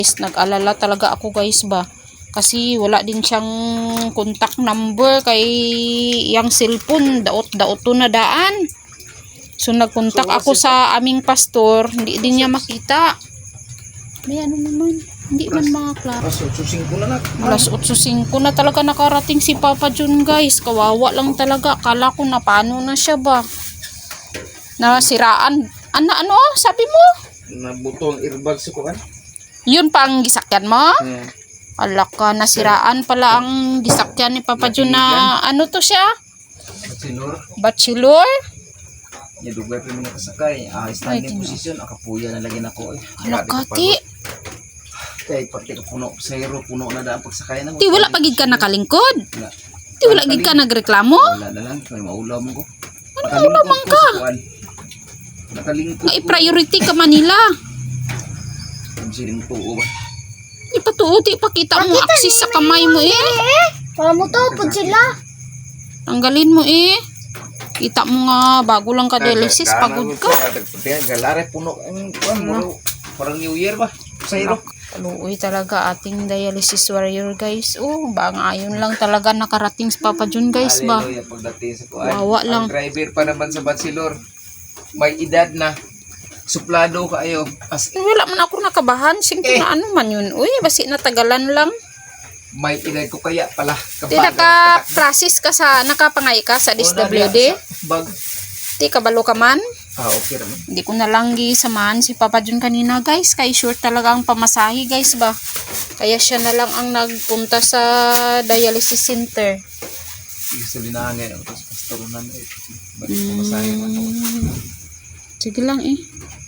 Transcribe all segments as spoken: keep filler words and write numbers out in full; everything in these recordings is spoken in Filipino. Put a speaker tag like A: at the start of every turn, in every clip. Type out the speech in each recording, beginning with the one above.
A: Nag-alala talaga ako guys ba. Kasi wala din siyang contact number kay yang cellphone. Daot-daot to na daan. So nagkontak so, ako sa aming pastor. Hindi din niya makita. May ano naman. Hindi man mga klaro.
B: Alas otso singko na na.
A: Alas otso singko na talaga nakarating si Papa John guys. Kawawa lang talaga. Akala ko na paano na siya ba. Nasiraan. Ano ano sabi mo?
B: Nabuto ang airbag sa kuan.
A: Yun pa ang gisakyan mo?
B: Hmm.
A: Ala ka, nasiraan pala ang gisakyan ni Papa John na ano to siya?
B: Bachelor.
A: Bachelor?
B: Ya dugay pa mi nakasakay. Ah, standing position akapuya na lagi nako.
A: Ala ka ti.
B: Kay pati ka puno sa hero puno na daan pagsakay na mo.
A: Ti wala pagid ka nakalingkod. Ti wala gid ka nagreklamo.
B: Wala na lang kay maulaw mo ko.
A: Ano maulaw man ka?
B: Nakalingkod.
A: Ay priority ka Manila.
B: Siring tuo ba?
A: Ipatuo ti pakita mo aksis sa kamay mo eh.
C: Para mo to pud sila.
A: Tanggalin mo eh. Kita mo nga bago lang ka dialysis pagod ka.
B: Galare puno ang kuan parang New Year ba? Sa hero.
A: Kaluoy talaga ating dialysis warrior guys. Oh, bang ayon lang talaga nakarating sa Papa John guys ba.
B: Hallelujah pagdating sa kuan.
A: Wawa lang.
B: Ang driver pa naman sa Bachelor. May edad na. Suplado kaayo. As
A: Wala man ako nakabahan. Singko
B: Eh.
A: na ano man yun. Uy, basi natagalan lang.
B: may edad ko kaya pala.
A: Di naka-process ka sa, nakapangay ka sa D S W D?
B: Bag.
A: Di kabalo ka man?
B: Ah, okay naman.
A: Hindi ko na lang gisamahan si Papa John kanina guys. Kay sure talaga ang pamasahe guys ba. Kaya siya na lang ang nagpunta sa dialysis center.
B: Gusto din na ngayon. Tapos pastorunan eh. Ba't pumasahin mo ito?
A: Sige lang eh.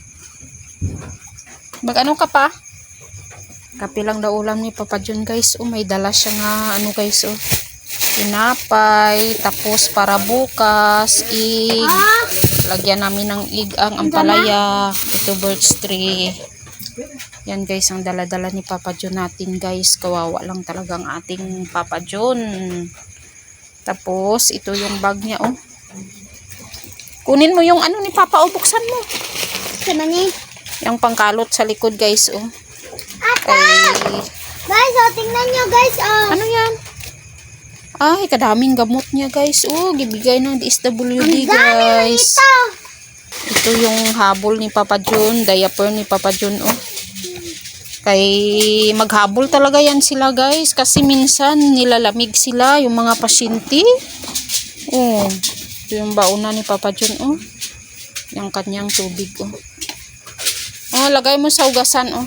A: Mag ano ka pa? Kape lang daw ulam ni Papa John guys. Oh, may dala siya nga ano guys oh. Tinapay, tapos para bukas, ig. Lagyan namin ng ig ang ampalaya. Ito birch tree. Yan guys ang dala-dala ni Papa John natin guys. Kawawa lang talaga ang ating Papa John. Tapos ito yung bag niya oh. Kunin mo yung ano ni Papa oh, buksan mo.
C: Sana ni.
A: Yung pangkalot sa likod guys oh.
C: Ata!
A: Ay,
C: Guys, oh, tingnan nyo guys, oh.
A: ano yan? Ay, kadaming gamot niya guys. Oh, gibigay ng D S W D
C: Ang dami
A: guys.
C: ito.
A: Ito yung habol ni Papa John, diaper ni Papa John oh. Kay maghabol talaga yan sila guys kasi minsan nilalamig sila yung mga pasyente. Oh, ito yung bauna ni Papa John oh. Yung kanyang tubig oh. Oh, lagay mo sa ugasan oh.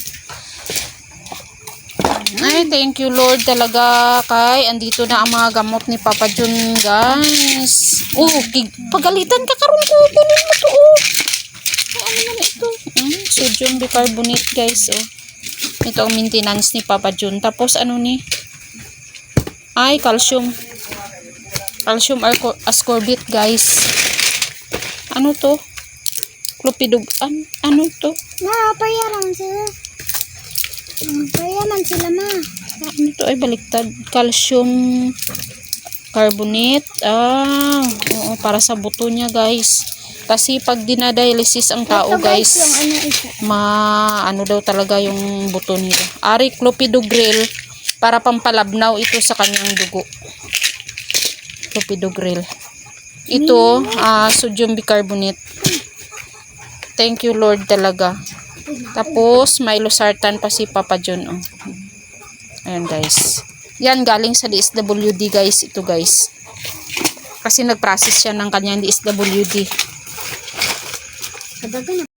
A: Ay, thank you Lord talaga kay andito na ang mga gamot ni Papa John guys. Oh, pagalitan ka karon ko kunin mo to oh. Oh, ano naman ito? Hmm, sodium bicarbonate guys oh. Ito ang maintenance ni Papa John. Tapos ano ni? Ay, calcium. Calcium ascorbate guys. Ano to? Clopidog. An ano to?
C: Na, payaran sila. Payaman sila ma.
A: Ano to ay baliktad? Calcium carbonate. Ah, oo, para sa buto niya guys. Kasi pag dinadialysis ang tao
C: Ito,
A: guys,
C: yung ano isa.
A: ma ano daw talaga yung buto nila. Ari clopidogrel para pampalabnaw ito sa kanyang dugo. Clopidogrel. Ito, ah, sodium bicarbonate. Thank you Lord talaga. Tapos may losartan pa si Papa John oh. Ayan guys. Yan galing sa D S W D guys ito guys. Kasi nag-process siya ng kanyang D S W D.
C: Sabagan